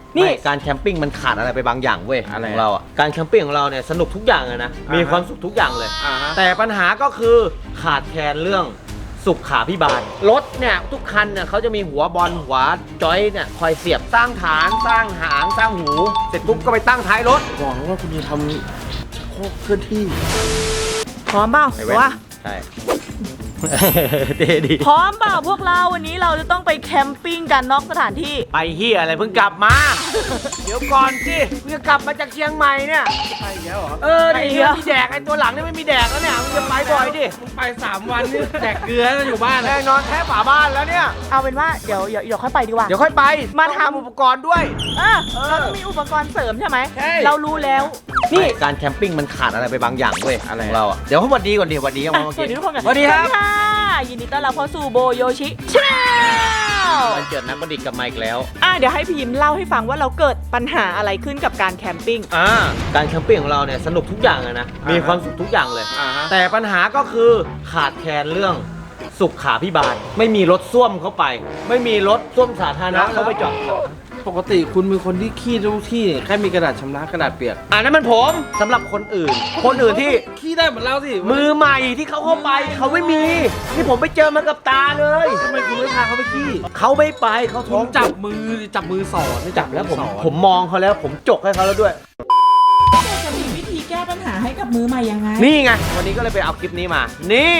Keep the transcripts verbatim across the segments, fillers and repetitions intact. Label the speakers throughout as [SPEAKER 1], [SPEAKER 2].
[SPEAKER 1] นี่การแคมปิ้งมันขาดอะไรไปบางอย่างเว้ยของเราอ่ะการแคมปิ้งของเราเนี่ยสนุกทุกอย่างเลยนะมีความสุขทุกอย่างเลยแต่ปัญหาก็คือขาดแคลนเรื่องสุขาภิบาลรถเนี่ยทุกคันเนี่ยเขาจะมีหัวบอลหัวจอยเนี่ยคอยเสียบสร้างฐานสร้างหางสร้างหูเสร็จปุ๊บก็ไปตั้งท้ายรถ
[SPEAKER 2] บอกว่าคุณจะทำชักโครกเคลื่อนที่
[SPEAKER 3] พร้อมเปล่าว่า
[SPEAKER 1] ใช่เท่ดี
[SPEAKER 3] พร้อมเปล่าพวกเราวันนี้เราจะต้องไปแคมปิ้งกันนอกสถานที่
[SPEAKER 1] ไปเฮียอะไรเพิ่งกลับมา เดี๋ยวก่อนสิเพิ่งกลับมาจากเชียงใหม่เนี่ย
[SPEAKER 2] ไปแล้วเหรอ
[SPEAKER 1] เออเดี๋ยวมีแดกไอ้ตัวหลังนี่ไม่มีแดกแล้วเนี่ยมึงจะไปบ่อยดิ
[SPEAKER 2] มึงไปสามวันนี่แดกเกลือแล้วอยู่บ้าน
[SPEAKER 1] แน่นอนแค่ฝาบ้านแล้วเนี่ย
[SPEAKER 3] เอาเป็นว่าเดี๋ยวเดี๋ยวค่อยไปดีกว่า
[SPEAKER 1] เดี๋ยวค่อยไป
[SPEAKER 3] มาทำ
[SPEAKER 1] อุปกรณ์ด้วย
[SPEAKER 3] เออเราต้องมีอุปกรณ์เสริมใช่ไหมเรารู้แล้ว
[SPEAKER 1] นี่การแคมปิ้งมันขาดอะไรไปบางอย่างเว้ยของเราอ่ะเดี๋ยวเขาวันดีก่อนดิวันดียังมา
[SPEAKER 3] สวัสดีทุกคนกัน
[SPEAKER 1] สวัสดีครับ
[SPEAKER 3] ยินดีต้อนรับเข้าสู่โบโยชิชาแนล
[SPEAKER 1] วันเกิดนักประดิษฐ์กับไมค์แล้ว
[SPEAKER 3] อ่ะเดี๋ยวให้พี่ยิมเล่าให้ฟังว่าเราเกิดปัญหาอะไรขึ้นกับการแคมปิ้ง
[SPEAKER 1] อ่าการแคมปิ้งของเราเนี่ยสนุกทุกอย่างเลยนะมีความสุขทุกอย่างเลยแต่ปัญหาก็คือขาดแคลนเรื่องสุขาภิบาลไม่มีรถส้วมเข้าไปไม่มีรถส้วมสาธารณะเข้าไปจอด
[SPEAKER 2] ปกติคุณเป็นคนที่ขี้ทุกที่แค่มีกระดาษชำระกระดาษเปียก
[SPEAKER 1] อ่านั่นมันผมสำหรับคนอื่นคนอื่นที่
[SPEAKER 2] ขี้ได้เหมือนเราสิ
[SPEAKER 1] มือใหม่ที่เขาเข้าไปเขาไม่มีนี่ผมไปเจอมากับตาเลย
[SPEAKER 2] ทำไมคุณไม่พาเขาไปขี้
[SPEAKER 1] เขาไม่ไปเขาท้อง
[SPEAKER 2] จับมือจับมือสอน
[SPEAKER 1] จับแล้วผมผมมองเขาแล้วผมจกให้เขาแล้วด้วย
[SPEAKER 3] จะมีวิธีแก้ปัญหาให้กับมือใหม่ยังไง
[SPEAKER 1] นี่ไงวันนี้ก็เลยไปเอาคลิปนี้มานี่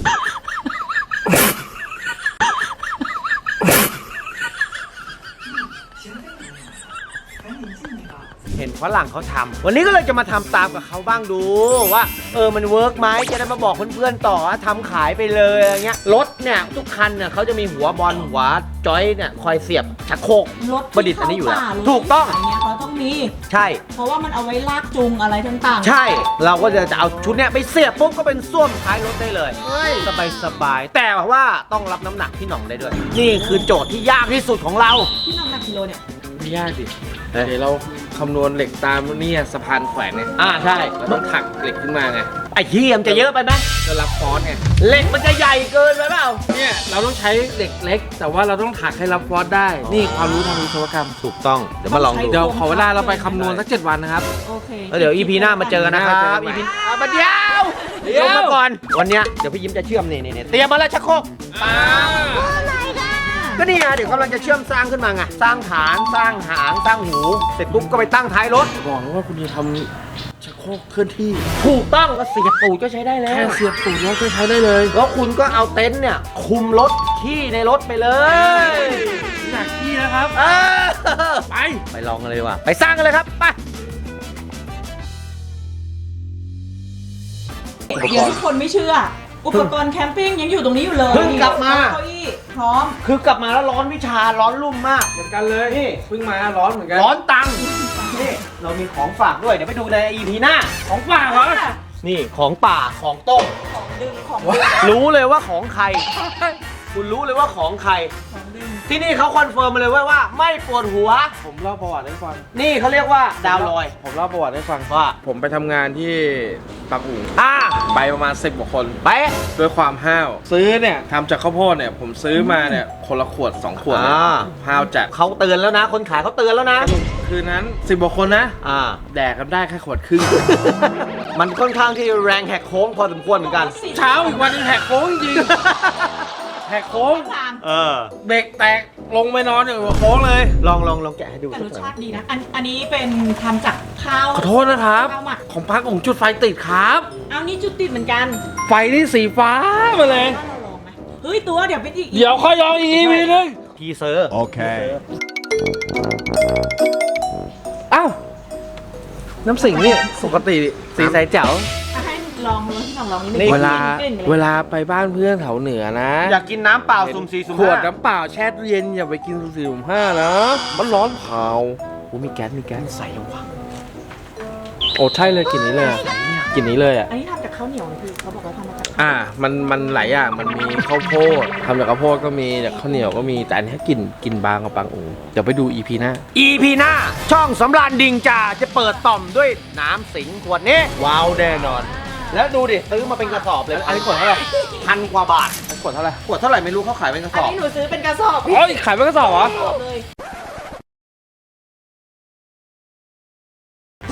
[SPEAKER 1] เห็นฝรั่งเขาทำวันนี้ก็เลยจะมาทำตามกับเขาบ้างดูว่าเออมันเวิร์กไหมจะได้มาบอกเพื่อนๆต่อว่าทำขายไปเลยอะไรเงี้ยรถเนี่ยทุกคันเนี่ยเขาจะมีหัวบอลหัวจอยเนี่ยคอยเสียบชักโครกประดิษฐ์อันนี้อยู่แล้วถูกต้อง
[SPEAKER 3] เนี่ยเขาต้องมี
[SPEAKER 1] ใช่
[SPEAKER 3] เพราะว่ามันเอาไว้ลากจูงอะไรต่าง
[SPEAKER 1] ๆใช่เราก็จะเอาชุดเนี้ยไปเสียบปุ๊บก็เป็นส้วมท้ายรถได้เลยสบายสบายแต่ว่าต้องรับน้ำหนักพี่หน่องได้ด้วยนี่คือโจทย์ที่ยากที่สุดของเรา
[SPEAKER 3] พี่หน่องหนักกิโลเนี่ย
[SPEAKER 2] ไม่ยากสิเดี๋ยวเราคำนวณเหล็กตามนี่สะพานแขวนเนี่ย
[SPEAKER 1] อ่าใช่
[SPEAKER 2] เราต้องถักเหล็กขึ้นมาไง
[SPEAKER 1] ไอ้เหี้ยมจะเยอะไปไหม
[SPEAKER 2] จะรับฟอสไง
[SPEAKER 1] เหล็กมันจะใหญ่เกินไปเปล่า
[SPEAKER 2] เนี่ยเราต้องใช้เหล็กเล็กแต่ว่าเราต้องถักให้รับฟอสได้นี่ความรู้ทางวิศวกรรม
[SPEAKER 1] ถูกต้องเดี๋ยวมาลองดู
[SPEAKER 2] เดี๋ยวขอเวลาเราไปคำนวณสักเจ็ดวันนะครับ
[SPEAKER 3] โอเค
[SPEAKER 1] แล้วเดี๋ยว อี พี หน้ามาเจอกันนะครับ อี พี มาเดียวเดี๋ยวมาก่อนวันนี้เดี๋ยวพี่ยิ้มจะเชื่อมนี่นี่เตรียมมาแล้วชักโครกก็นี่ไงเดี๋ยวกำลังจะเชื่อมสร้างขึ้นมาไงสร้างฐานสร้างหางสร้างหูเสร็จปุ๊บก็ไปตั้งท้ายรถ
[SPEAKER 2] บอกว่าคุณจะทำชักโครกเคลื่อนที่
[SPEAKER 1] ถูกต้องก็เสียบตูดก็ใช้ได้แล้ว
[SPEAKER 2] แค่เสียบตูดแล้วก็ใช้ได้เลย
[SPEAKER 1] แล้วคุณก็เอาเต็นท์เนี่ยคุมรถขี้ในรถไปเลย
[SPEAKER 2] อยากขี้นะครับไป
[SPEAKER 1] ไปลองกันเลยดีกว่าไปสร้างกันเลยครับไป
[SPEAKER 3] เดี๋ยวทุกคนไม่เชื่ออุปกรณ์แคมปิ้งยังอยู่ตรงนี้อยู่เลย
[SPEAKER 1] เพิ่งกลับมา
[SPEAKER 3] เก้าอี้พร้อม
[SPEAKER 1] คือกลับมาแล้วร้อนวิชาร้อนรุ่มมาก
[SPEAKER 2] เหมือนกันเลยนี่เพิ่งมาร้อนเหมือนกัน
[SPEAKER 1] ร้อนตังนี่เรามีของฝากด้วยเดี๋ยวไปดูใน อี พี หน้า
[SPEAKER 2] ของฝากเหรอ
[SPEAKER 1] นี่ของป่าของต้ม
[SPEAKER 3] ของดึงของ
[SPEAKER 1] รู้เลยว่าของใครคุณรู้เลยว่าของใครที่นี่เขาคอนเฟิร์มมาเลยว่าว่าไม่ปวดหัว
[SPEAKER 2] ผมเล่าประวัติให้ฟัง
[SPEAKER 1] นี่เขาเรียกว่าดาวลอย
[SPEAKER 2] ผมเล่าประวัติให้ฟัง
[SPEAKER 1] ว่า
[SPEAKER 2] ผมไปทำงานที่บางอู่
[SPEAKER 1] อ่า
[SPEAKER 2] ไปประมาณสิบกว่าคน
[SPEAKER 1] ไป
[SPEAKER 2] ด้วยความห้าวซื้อเนี่ยทำจากข้าวโพดเนี่ยผมซื้อมาเนี่ยคนละขวดสองขวดเลยห้าวจัด
[SPEAKER 1] เขาเตือนแล้วนะคนขายเขาเตือนแล้วนะ
[SPEAKER 2] คืนนั้นสิบกว่าคนนะ
[SPEAKER 1] อ่า
[SPEAKER 2] แดกกันได้แค่ขวดครึ่ง
[SPEAKER 1] มันค่อนข้างที่แรงแหกโค้งพอสมควรเหมือนกัน
[SPEAKER 2] เช้าอีกวันนึงแหกโค้งจริงแหกโค้ง
[SPEAKER 1] เออ
[SPEAKER 2] เบรกแตกลงไปนอนอยู่หัวโค้งเลย
[SPEAKER 1] ลองลองลองแกะให้ดู
[SPEAKER 3] แต่รสชาติดีนะอันอันนี้เป็นทำจากข้าว
[SPEAKER 2] ขอโทษนะครับของพักของจุดไฟติดครับ
[SPEAKER 3] เอานี่จุดติดเหมือนกัน
[SPEAKER 2] ไฟนี่สีฟ้ามาเลย
[SPEAKER 3] เราลองไหมเฮ้ยตัวเดี๋ยวเป็นอีก
[SPEAKER 2] เดี๋ยวค่อยลองอีกทีนึง
[SPEAKER 1] ทีเซอร์
[SPEAKER 2] โอเคอ้าวน้ำสิงนี่ปกติสีใสแจ๋ว
[SPEAKER 3] ลองลองที่ลองลองนี่
[SPEAKER 2] เวลาเวลาไปบ้านเพื่อนแถวเหนือนะ
[SPEAKER 1] อยากกินน้ำเปล่าสุ่มสี่สุ่ม
[SPEAKER 2] ห้าขวดน้ำเปล่าแช่เย็นอย่าไปกินสุ่มสี่สุ่มห้านะมันร้อนเผาโอ้มีแก๊สมีแก๊ส
[SPEAKER 1] ใส่ลงวะ
[SPEAKER 2] โอ้ใช่เลยกลิ่นนี้เลยกลิ่นนี้เลยอ่ะ
[SPEAKER 3] อันนี้ทำจากข้าวเหนียวคือเขาบอกว่าทำมาจาก
[SPEAKER 2] อ่ามันมันหลายอย่างมันมีข้าวโพดทำจากข้าวโพดก็มีจากข้าวเหนียวก็มีแต่อันนี้กลิ่นกลิ่นบางกับบางอูเดี๋ยวไปดู อี พี หน้า
[SPEAKER 1] อี พี หน้าช่องสำราญดิงจ่าจะเปิดต่อมด้วยน้ำสิงขวดนี้ว้าวแน่นอนแล้วดูดิซื้อมาเป็นกระสอบเลยอันนี้ขวดเท่าไหร่พันกว่าบาท
[SPEAKER 2] ขวดเท่าไหร่
[SPEAKER 1] ขวดเท่าไหร่ไม่รู้เขาขายเป็นกระสอบ
[SPEAKER 3] อันนี้หนูซื้อเป็นกระสอบ
[SPEAKER 2] โอ้ยขายเป็นกระสอบเหรอ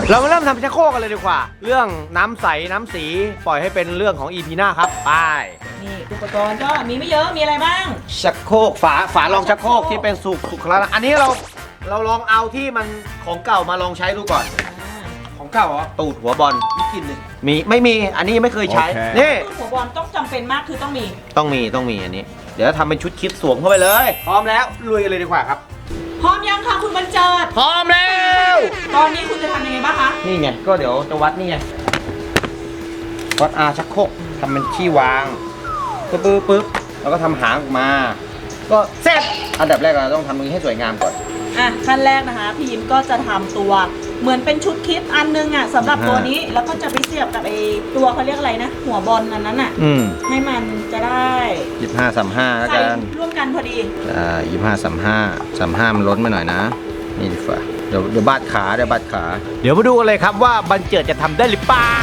[SPEAKER 1] เรามาเริ่มทำชักโครกกันเลยดีกว่า เรื่องน้ำใสน้ำสีปล่อยให้เป็นเรื่องของ อี พี หน้าครับไป
[SPEAKER 3] นี่อุปกรณ์ก็มีไม่เยอะมีอะไรบ้าง
[SPEAKER 1] ชักโครกฝาฝารองชักโครกที่เป็นสุกสุกแล้วนะอันนี้เราเราลองเอาที่มันของเก่ามาลองใช้ดูก่อน
[SPEAKER 2] ของเก่าเหรอ
[SPEAKER 1] ตูดหัวบอล
[SPEAKER 2] ไม่กินเลย
[SPEAKER 1] มีไม่มีอันนี้ไม่เคยใช้
[SPEAKER 2] โอเค
[SPEAKER 1] นี่
[SPEAKER 3] หัวบอลต้องจำเป็นมากคือต้องมี
[SPEAKER 1] ต้องมีต้องมีอันนี้ เดี๋ยวทำเป็นชุดคิดสวมเข้าไปเลย พร้อมแล้วลุยกันเลยดีกว่าครับ
[SPEAKER 3] พร้อมยังคะคุณบรรเจิด
[SPEAKER 1] พร้อมแล้ว
[SPEAKER 3] ตอนนี้คุณจะทำยังไงบ้างคะ
[SPEAKER 1] นี่ไงก็เดี๋ยวจะวัดนี่ไงวัดอาชักโครกทำเป็นที่วางปึ๊บปึ๊บปึ๊บแล้วก็ทำหางออกมา ก็เสร็จอันดับแรกเราต้องทำตรงนี้ให้สวยงามก่อน
[SPEAKER 3] อ่ะขั้นแรกนะคะพี่ยิมก็จะทำตัวเหมือนเป็นชุดคิดอันนึงอ่ะสำหรับตัวนี้แล้วก็จะไปเสียบกับไอ้ตัวเขาเรียกอะไรนะ หัวบอลอันนั้นอ่ะ
[SPEAKER 1] อืม
[SPEAKER 3] ให้มันจะได้
[SPEAKER 1] ยี่สิบห้าสามห้าแล้ว
[SPEAKER 3] ใส่
[SPEAKER 1] กัน
[SPEAKER 3] ร่วมกันพอดี
[SPEAKER 1] อ่ายี่สิบห้าสามห้าสามห้ามันล้นมาหน่อยนะ นี่ดีกว่าเดี๋ยวเดี๋ยวบาดขาเดี๋ยวบาดขา เดี๋ยวมาดูกันเลยครับว่าบันเจิดจะทำได้หรือเปล่า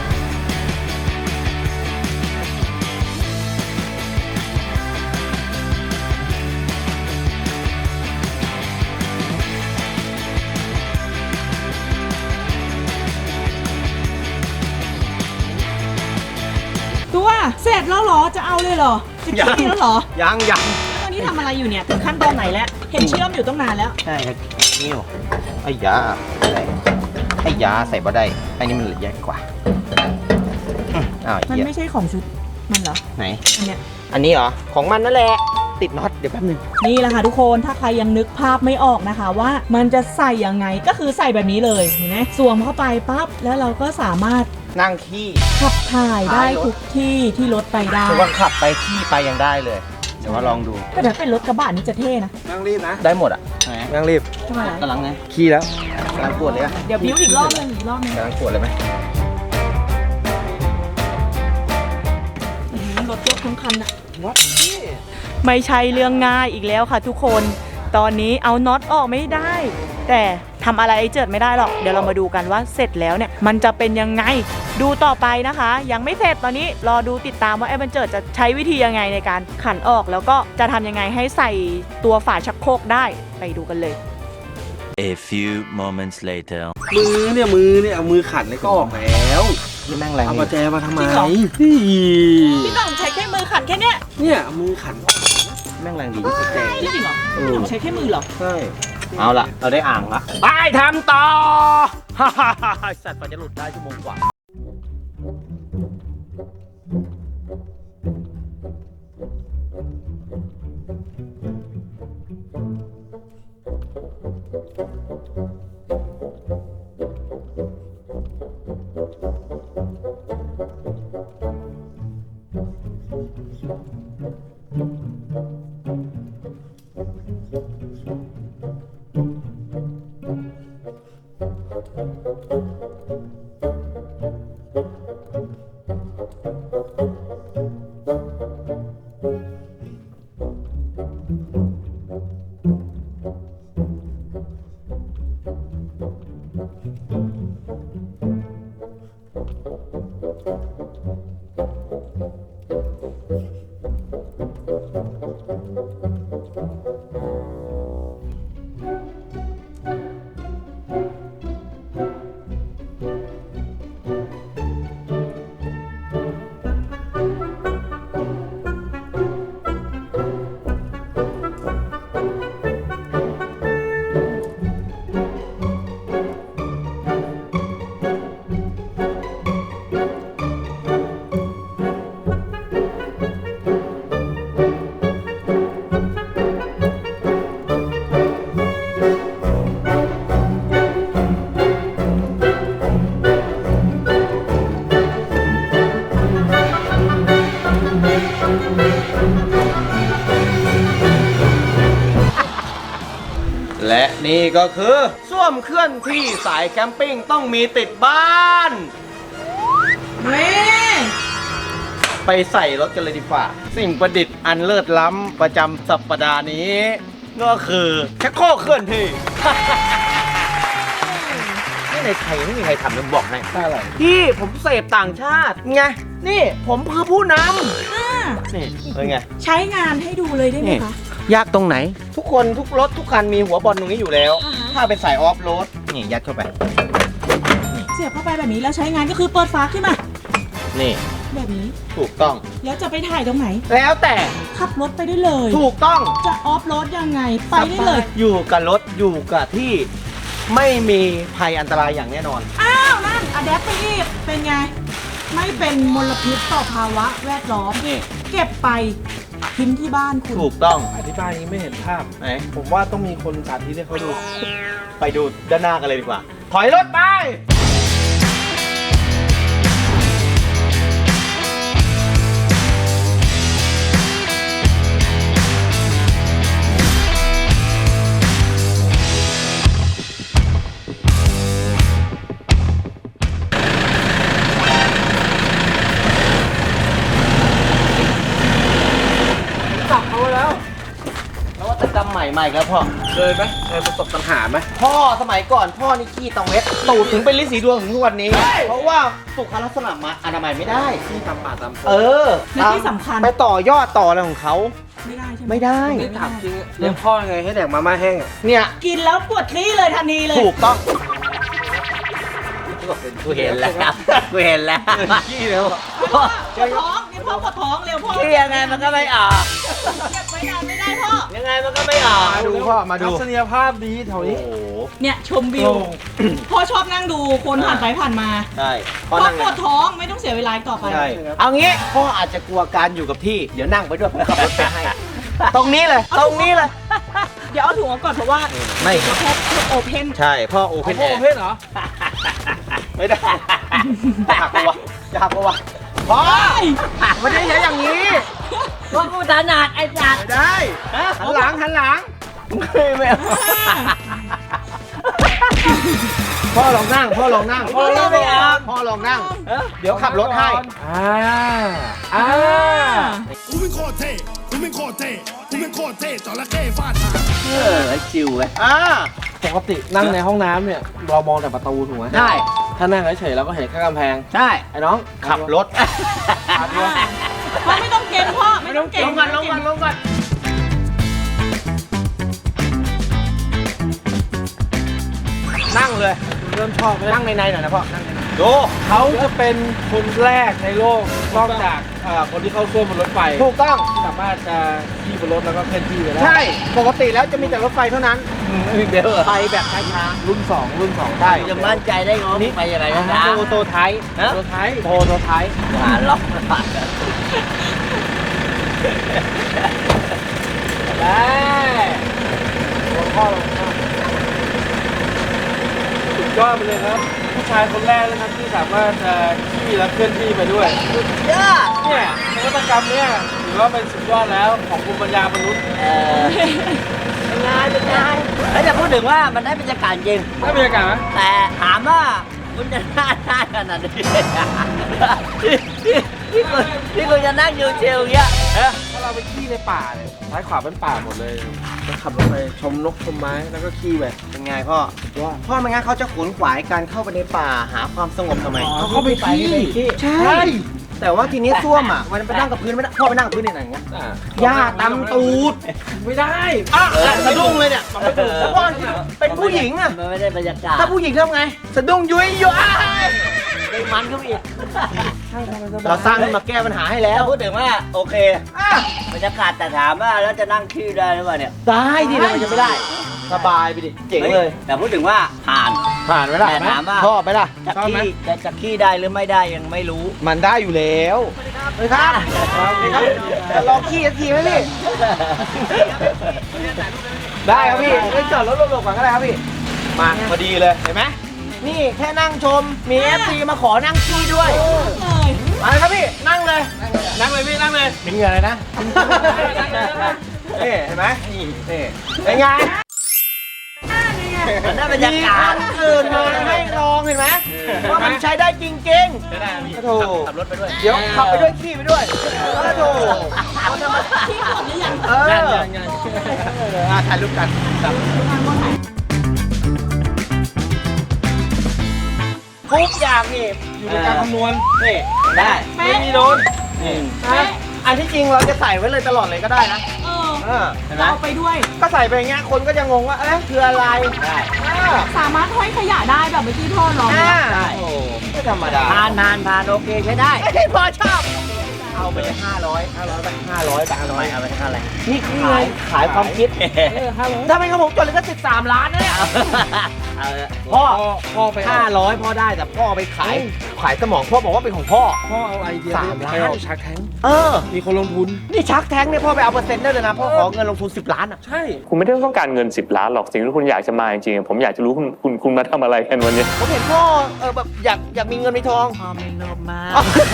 [SPEAKER 3] ตัวเสร็จแล้วเหรอจะเอาเลยเหรอจะขี้แล้วเหรอ
[SPEAKER 1] ยังยัง
[SPEAKER 3] แล้วตอนนี้ทำอะไรอยู่เนี่ยถึงขั้นตอนไหนแล้วเห็นเชื่อมอยู่ตั้งนานแล้ว
[SPEAKER 1] ใช่ครับนิ้วไอ้ยาอะไรไอ้ยาใส่บ่ได้ไอ้นี่มันแยกกว่าอืมอ้าว
[SPEAKER 3] มัน
[SPEAKER 1] เหี้ย
[SPEAKER 3] ไม่ใช่ของชุดมันเหรอ
[SPEAKER 1] ไหน
[SPEAKER 3] อันเนี้ย
[SPEAKER 1] อันนี้เหรอ ของมันนั่นแหละ ติดน็อตเดี๋ยวแป๊บนึง
[SPEAKER 3] นี่แหละค่ะทุกคนถ้าใครยังนึกภาพไม่ออกนะคะว่ามันจะใส่ยังไงก็คือใส่แบบนี้เลยเห็นไหมสวมเข้าไปปั๊บแล้วเราก็สามารถ
[SPEAKER 1] นั่งขี้
[SPEAKER 3] ขับถ่ายได้
[SPEAKER 1] ท้ายรถ
[SPEAKER 3] ทุกที่ที่รถไปได้
[SPEAKER 1] จะว่าขับไปขี้ไปยังได้เลย เดี๋ยวว่าลองดู
[SPEAKER 3] แต่ถ้าเป็นรถกระบะนี่จะเท่นะ
[SPEAKER 2] นั่งรีบนะ
[SPEAKER 1] ได้หมดอ่ะนั่งรีบ
[SPEAKER 3] ทำไม
[SPEAKER 1] กำลังไงขี้แล้วกำลังปวดเลยอะ
[SPEAKER 3] เดี๋ยวบิ้วอีกรอบหนึงอีกรอบหนึง
[SPEAKER 1] กำลังปวดเลยไหม
[SPEAKER 3] อื้อหือรถยกทั้งคันอะไม่ใช่เรื่องง่ายอีกแล้วค่ะทุกคนตอนนี้เอาน็อตออกไม่ได้ แต่ทำอะไรไอ้เจิดไม่ได้หรอกเดี๋ยวเรามาดูกันว่าเสร็จแล้วเนี่ยมันจะเป็นยังไงดูต่อไปนะคะ ยังไม่เสร็จตอนนี้รอดูติดตามว่าไอ้บันเจิดจะใช้วิธียังไงในการขันออกแล้วก็จะทำยังไงให้ใส่ตัวฝาชักโครกได้ไปดูกันเลย
[SPEAKER 4] A few moments later.
[SPEAKER 2] มือเนี่ยมือเนี่ยเอามือขันเลยก็ออกแล้ว
[SPEAKER 1] นี่แม่งแรง
[SPEAKER 2] เอาประแจมาทำไม
[SPEAKER 3] จริงเหรอ
[SPEAKER 2] นี่
[SPEAKER 3] พี่ต้องใช้แค่มือขันแค่เนี้ย
[SPEAKER 2] เนี่ยเอามือขัน
[SPEAKER 1] แม่งแรงดี
[SPEAKER 2] ประแจ
[SPEAKER 3] จริงเหรอ
[SPEAKER 1] เอ
[SPEAKER 3] พี่
[SPEAKER 1] อ
[SPEAKER 3] ต้องใช้แค่มือเหรอ
[SPEAKER 1] ใช่ เอาละเราได้อ่างละไปทำต่อ ฮ่าฮ่าฮ่าสัตว์กว่าจะหลุดได้ชั่วโมงกว่า และนี่ก็คือส้วมเคลื่อนที่สายแคมปิ้งต้องมีติดบ้าน
[SPEAKER 3] เว้ย
[SPEAKER 1] ไปใส่รถกันเลยดีกว่า สิ่งประดิษฐ์อันเลิศล้ำประจำสัปดาห์นี้ ก็คือชักโครกเคลื่อนที่ นี่ในไทยไม่มีใครทำเลยบอกให้
[SPEAKER 2] ได้อะไร
[SPEAKER 1] ที่ผมเสพต่างชาติไงนี่ผมคือผู้น
[SPEAKER 3] อ่า
[SPEAKER 1] ำนี่เป็นไง
[SPEAKER 3] ใช้งานให้ดูเลยได้ไหมคะ
[SPEAKER 1] ยากตรงไหน ทุกคนทุกรถทุกคันมีหัวบอลตรงนี้อยู่แล้ว
[SPEAKER 3] อ่าฮะ
[SPEAKER 1] ถ้าเป็นสายออฟโรดนี่ยัดเข้าไป
[SPEAKER 3] สียบเข้าไปแบบนี้แล้วใช้งานก็คือเปิดฝาขึ้นมา
[SPEAKER 1] นี่
[SPEAKER 3] แบบนี้
[SPEAKER 1] ถูกต้อง
[SPEAKER 3] แล้วจะไปถ่ายตรงไหน
[SPEAKER 1] แล้วแต่
[SPEAKER 3] ขับรถไปได้เลย
[SPEAKER 1] ถูกต้อง
[SPEAKER 3] จะออฟโรดยังไงไปได้เลย
[SPEAKER 1] อยู่กับรถอยู่กับที่ไม่มีภัยอันตรายอย่างแน่นอน
[SPEAKER 3] อ้าวนั่นอะแดปไปอีกเป็นไง ไม่เป็นมลพิษต่อภาวะแวดล้อม
[SPEAKER 1] นี่
[SPEAKER 3] เก็บไปทิ้งที่บ้านคุณ
[SPEAKER 1] ถูกต้อง
[SPEAKER 2] อธิบายนี้ไม่เห็นภาพ
[SPEAKER 1] ไหน
[SPEAKER 2] ผมว่าต้องมีคนสาธิตให้เขาดู
[SPEAKER 1] ไปดูด้านหน้ากันเลยดีกว่า ถอยรถไป
[SPEAKER 2] จับเขาไว้แล้ว
[SPEAKER 1] นวัตกรรมใหม่ใหม่ครับพ่อ
[SPEAKER 2] เคยไหมเคยประสบปัญหาไหม
[SPEAKER 1] พ่อสมัยก่อนพ่อนี่ขี้ตังเวทตูดถึงเป็นลิ้นสีดวงถึงทุกวันนี้ เพราะว่าสุขลักษณะมาอนามัยไม่ได้
[SPEAKER 2] ที่ตามป่าตาม
[SPEAKER 1] เออ
[SPEAKER 3] และที่สำคัญ
[SPEAKER 1] ไปต่อยอดต่ออะไรของเขา
[SPEAKER 3] ไม่ได้ใช่ไหม
[SPEAKER 1] ไม่ได้
[SPEAKER 2] นี่ถามจริงอะเลี้ยงพ่อยังไงให้แดกมาม่าแห้งอ่ะ
[SPEAKER 1] เนี่ย
[SPEAKER 3] กินแล้วปวดขี้เลยทันทีเลย
[SPEAKER 1] ถูกต้องกูเห็นแล้วกูเห็นแล้วขี้แล้ว
[SPEAKER 3] พ่อปวดท้องนี่พ่อปวดท้องเร็วพ่อ
[SPEAKER 1] ขี้ยังไงมันก็ไม่ออก
[SPEAKER 3] เก็บไว้นานไม่ได้พ่อ
[SPEAKER 1] ยังไงมันก็ไม่ออกมาดูพ่อมาดู
[SPEAKER 2] ทัศนียภาพดีแถว
[SPEAKER 1] โอ้
[SPEAKER 2] นี้
[SPEAKER 1] โห
[SPEAKER 3] เนี่ยชมวิว พ่อชอบนั่งดูคนผ่านไปผ่านมา
[SPEAKER 1] ใช่
[SPEAKER 3] พ่อ
[SPEAKER 1] นั่ง
[SPEAKER 3] ปวดท้องไม่ต้องเสียเวลาอีกต่อไป
[SPEAKER 1] ใช่เอางี้พ่ออาจจะกลัวการอยู่กับที่เดี๋ยวนั่งไปด้วยขับรถไปให้ ตรงนี้เลย ตรงนี้เลย
[SPEAKER 3] เดี๋ยวเอาถุงออกก่อนเพราะว่า
[SPEAKER 1] ไม่
[SPEAKER 3] แค่โอเพน
[SPEAKER 1] ใช่พ่อโอเพ
[SPEAKER 2] เป็น
[SPEAKER 1] น
[SPEAKER 2] พ่
[SPEAKER 1] แอ
[SPEAKER 2] อ
[SPEAKER 1] ร์
[SPEAKER 2] เพศเหรอ
[SPEAKER 1] ไม่ได้อยากกลัวอยากกลัวพ่อไม่ได้ใช้อย่างนี้
[SPEAKER 3] ว่ากูถนัดไอ้สัตว์
[SPEAKER 1] ไม่ได้หันหลังหันหลังไม่ไม่เอาพ่อลองนั่งพ่อลองนั่งพ่อลองไม่เอาพ่อลองนั่งเดี๋ยวขับรถให้
[SPEAKER 2] อ่าอ่า
[SPEAKER 5] กูเป็นโคตรเท่กูเป็นโคตรเท่กูเป็นโคตรเท่จระเข้ฟาดหาง
[SPEAKER 1] เออจิวเลยอ่า
[SPEAKER 2] ปกตินั่งในห้องน้ำเนี่ยเรามองแต่ประตูถูกไหม
[SPEAKER 1] ได้
[SPEAKER 2] ถ้านั่งเฉยๆเราก็เห็นแค่กำแพง
[SPEAKER 1] ได้
[SPEAKER 2] ไอ้น้อง
[SPEAKER 1] ขับรถ
[SPEAKER 3] พ่อไม่ต้องเก่งพ่อไม่ต้องเก่ง
[SPEAKER 1] ลงก่อนลงก่อนลงก่อนนั่งเลย
[SPEAKER 2] เริ่มชอบไหม
[SPEAKER 1] นั่งในในหน่อยนะพ่อ นั่งในในดู
[SPEAKER 2] เขาจะเป็นคนแรกในโลกนอกจากเอ่อคนที่เข้าร่วมบนรถไฟ
[SPEAKER 1] ถูกต้อง
[SPEAKER 2] ที่สามารถจะขี่บนรถแล้วก็เคลื่อนที่ไปได้
[SPEAKER 1] ใช่ ปกติแล้วจะมีแต่รถไฟเท่านั้นเดี๋ยวไปแบบช้า
[SPEAKER 2] รุ่นสองรุ่นสอง
[SPEAKER 1] ๆได้
[SPEAKER 6] จะมั่นใจได้ไงว่ามึงไปยังไงนะ
[SPEAKER 1] โตโตไทย
[SPEAKER 2] ตัวท้าย
[SPEAKER 1] โตโตไทย
[SPEAKER 6] หาล็อก
[SPEAKER 2] ได้หัวข้อลงมาสุดยอดไปเลยครับ ผู้ชายคนแรกเลยครับที่สามารถจะขี่และเคลื่อนที่ไปด้วย
[SPEAKER 6] เยอะ
[SPEAKER 2] เนี่ยนวัตกรรมเนี่ยถือว่าเป็นสุดยอดแล้วของภูมิปัญญามนุษย์
[SPEAKER 6] เออเป็นไงเป็นไงแล้วจะพูดถึงว่ามันได้บรรยากาศจริง
[SPEAKER 2] ได้บรรยากาศไหม
[SPEAKER 6] แต่ถามว่าคุณจะน่าได้ขนาดนี้ที่ที่ที่คุณที่คุณจะนั่งเชิวๆอย่างเงี้ยเอ๊ะ
[SPEAKER 2] ถ้าเราไปขี่ในป่าเนี่ยซ้ายขวาเป็นป่าหมดเลยจะขับรถไปชมนกชมไม้แล้วก็ขี่ไป
[SPEAKER 1] เป็นไงพ่อ
[SPEAKER 2] ว่า
[SPEAKER 1] พ่อไม่งั้นเขาจะขวนขวายการเข้าไปในป่าหาความสงบทำไม
[SPEAKER 2] เขาเข้าไปขี่
[SPEAKER 1] ใช่ แต่ว่าทีนี้ส้วมอ่ะมันไปนั่งกับพื้นไม่ได้พ่อไปนั่งกับพื้นในไหนอย่างเงี้ย
[SPEAKER 2] อ่ะ
[SPEAKER 1] หญ้าตำตูด
[SPEAKER 2] ไม่ได้
[SPEAKER 1] อ่ะสะดุ้งเลยเนี่ยแล้วพ่อเป็นผู้หญิงอ่ะ
[SPEAKER 6] มันไม่ได้บรรยากาศ
[SPEAKER 1] ถ้าผู้หญิงทำไง สะดุ้งยุ้ยยุ้ย
[SPEAKER 6] ได้มันเข้าไปอีก
[SPEAKER 1] เราสร้างขึ้นมาแก้ปัญหาให้แล้
[SPEAKER 6] แล้ว วพูดถึงว่าโอเค
[SPEAKER 1] อ่ะ
[SPEAKER 6] บรรยากาศแต่ถามว่าแล้วจะนั่งขี้ได้หรือเปล่าเนี่ย
[SPEAKER 1] ได้ดิทำไมจะไม่ได้ สบายไปดิ เจ๋งเลย
[SPEAKER 6] แต่พูดถึงว่าผ่าน
[SPEAKER 1] ผ่านไหมล่ะ
[SPEAKER 6] แต่ถามว่า
[SPEAKER 1] ชอบไหมล่ะ
[SPEAKER 6] จะขี้จะจะขี้ได้หรือไม่ได้ยังไม่รู้
[SPEAKER 1] มันได้อยู่แล้วสวัสดีครับสวัสดีครับจะลองขี้สักทีไหมพี่ ได้ครับพี่เล่นจอดรถหลบๆก่อนก็ได้ครับพี่ มาพอดีเลย เห็นไหม นี่แค่นั่งชม มี เอฟ ซี มาขอนั่งขี้ด้วย
[SPEAKER 3] เลย
[SPEAKER 1] มาเลยครับพี่ นั่งเลย
[SPEAKER 2] นั่งเลยพี่นั่งเลย
[SPEAKER 1] เป็นเหงื่อเลยนะนี่เห็นไหมนี่นี่เป็นไง
[SPEAKER 6] มันได้บรรยากาศ
[SPEAKER 1] มีคนอื่นมาให้ลองเห็นไหมว่ามันใช้ได้จริงๆ
[SPEAKER 2] ไม่ได้พี่
[SPEAKER 1] โอ้โห
[SPEAKER 2] ขับรถไปด้วย
[SPEAKER 1] เดี๋ยวขับไปด้วยขี้ไปด้วยโอ้โห
[SPEAKER 3] ที่หมดหรือยัง
[SPEAKER 1] เออ
[SPEAKER 2] ยังยังยัง
[SPEAKER 1] อ่ะถ่ายรูปกันครับทุกอย่างนี่
[SPEAKER 2] อยู่ในการคำนวณ
[SPEAKER 1] นี่
[SPEAKER 6] ได้
[SPEAKER 2] ไม่มีโดน
[SPEAKER 1] นี่นะอันที่จริงเราจะใส่ไว้เลยตลอดเลยก็ได้นะ
[SPEAKER 3] เออ
[SPEAKER 1] เออเห็นไหม
[SPEAKER 3] เราไปด้วย
[SPEAKER 1] ก็ใส่ไปอย่างเงี้ยคนก็จะงงว่าเอ๊ะคืออะไร
[SPEAKER 6] ได้
[SPEAKER 1] อ่า
[SPEAKER 3] สามารถห้อยขยะได้แบบเมื่อกี้พ่อลอง
[SPEAKER 1] อ่า
[SPEAKER 6] ได้
[SPEAKER 1] โอ้ไม่ธรรมดา
[SPEAKER 6] ผ่านผ่านผ่านโอเคใช้ได้
[SPEAKER 1] ไม่พอชอบ เอาไปเลยห้าร้อยห้าร้อยไปห้าร้อยไปห้าร้อย
[SPEAKER 6] เอาไปเท่าไหร่
[SPEAKER 1] นี่ขายขายความคิดถ้าไม่ครับผมจดเลยก็สิบสามล้านนะเนี่ย
[SPEAKER 6] เอา
[SPEAKER 1] พ่อ
[SPEAKER 2] พ่อไป
[SPEAKER 1] ห้าร้อยพ่อได้แต่พ่อไปขายขายสมองพ่อบอกว่าเป็นของพ่อ
[SPEAKER 2] พ่อเอาไอเดีย
[SPEAKER 1] สามล้าน
[SPEAKER 2] ไปออกชักแทง
[SPEAKER 1] เออ
[SPEAKER 2] มีคนลงทุน
[SPEAKER 1] นี่ชักแท้งเนี่ยพ่อไปเอาเปอร์เซ็นต์ได้เลยนะพ่อขอเงินลงทุนสิบล้านอ่ะ
[SPEAKER 2] ใช่
[SPEAKER 7] คุณไม่ได้ต้องการเงินสิบล้านหรอกสิ่งที่คุณอยากจะมาจริงๆผมอยากจะรู้คุณคุณคุณมาทำอะไรกันวันนี้
[SPEAKER 1] ผมเห็นพ่อเออแบบอยากอยากมีเงินมีทอง
[SPEAKER 6] พ่อไม่โลภมาก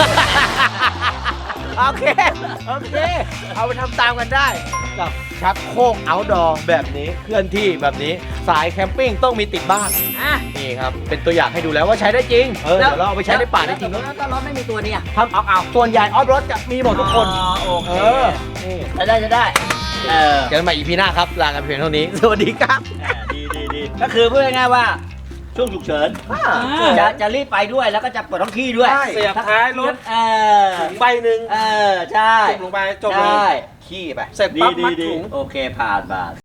[SPEAKER 1] โอเค โอเค เอาไปทำตามกันได้กับชักโครกเอาท์ดอร์แบบนี้เคลื่อนที่แบบนี้สายแคมปิ้งต้องมีติดบ้าน
[SPEAKER 6] อ่ะ
[SPEAKER 1] นี่ครับ เป็นตัวอย่างให้ดูแล้วว่าใชได้จริง เออเดี๋ยวเราเอาไปใช้ในป่าได้จริง
[SPEAKER 6] แล้วถ้ารถไม่มีตัวนี้อ่ะ
[SPEAKER 1] ทำเอาเอาส่วนใหญ่ออฟรถจะมีหมดทุกคน
[SPEAKER 6] อ๋อโอเค
[SPEAKER 1] เออ นี่
[SPEAKER 6] จะได้จะได้เออ
[SPEAKER 1] เจอกันใหม่ อี พี หน้าครับ ลากันเพียงเท่านี้ สวัสดีครับ
[SPEAKER 6] อ่าดีดีดีก็คือพูดง่ายๆว่าช่วงฉุกเฉินจะจะรีบไปด้วยแล้วก็จะปวดท้องขี้ด้วย
[SPEAKER 2] ใช่เสียบท้ายรถ
[SPEAKER 6] เออ
[SPEAKER 2] ใบหนึ่ง
[SPEAKER 6] เออใช่
[SPEAKER 2] จุ่มลงไปจบเลย
[SPEAKER 6] ใช่
[SPEAKER 1] ขี้ไป
[SPEAKER 2] เสร็จ
[SPEAKER 6] ดี
[SPEAKER 2] ปั๊บ
[SPEAKER 6] ดี
[SPEAKER 2] มัด
[SPEAKER 6] ดี
[SPEAKER 2] ถุง
[SPEAKER 6] โอเคผ่านผ่าน